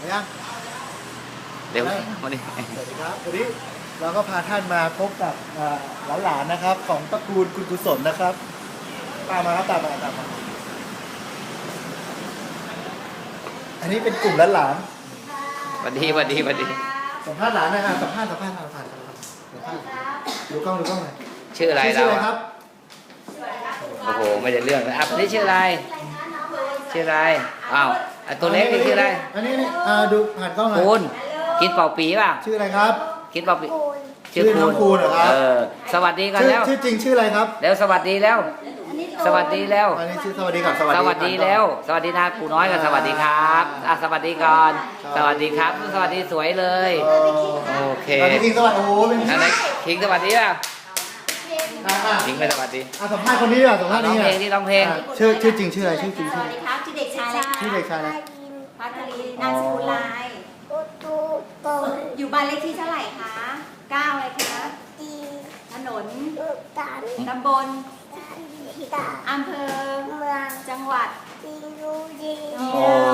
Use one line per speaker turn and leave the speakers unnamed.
ยัง
เร็วมาดิ
สวัสดีครับวันนี้เราก็พาท่านมาพบกับหลานๆนะครับของตระกูลคุณกุศลนะครับตามมาครับตามมาอันนี้เป็นกลุ่มหลาน
สวัสดี
ๆสัมภาษณ์หลานนะฮะสัมภาษณ์ดูกล้องหน่อย
ชื่ออะไร
ชื่
เรา
ออะไรครับ
โอ้โหไม่ได้เรื่องเลยนี่ชื่ออะไรชื่ออะไรอ้าวตัวเล็กนี่ชื่ออะไร
อันนี้ดูผ่านกล้องหน่อย
คูณกินเป่าปีป่ะ
ชื่ออะไรครับ
กินเป่าปี
ชื่อน้องคูณเหรอครับ
สวัสดีกันแล้ว
ชื่อจริงชื่ออะไรครับ
แล้วสวัสดีแล้ว สวัสดีแล้ว
อันนี้ชื่อสวัสดีก่อน
สวัสดีแล้ว สวัสดีนะปู่น้อยกับสวัสดีครับสวัสดีก่อนสวัสดีครับสวัสดีสวยเลยโอเค
อันนี้จริงสวัสดีโอ้โหเป็น
อันไหนคิงสวัสดีป่ะ
อ่ะ
คิงไม่สวัสดี
สัมภาษณ์คนนี้ดีกว่าสัมภาษณ์
ร้อง
นี้
เพลงที่ร้องเพลง
ชื่อจริงชื่ออะไรชื่อจริง
สวัสดีครับชื่อเด็กชายอะไร
ชื่อเด็กชายอะไร
พัทลีนามสกุลลายอยู่บ้านเลขที่เท่าไหร่คะ9อะไรคะถนนตำบลอำเภอจังหวัด
โอ้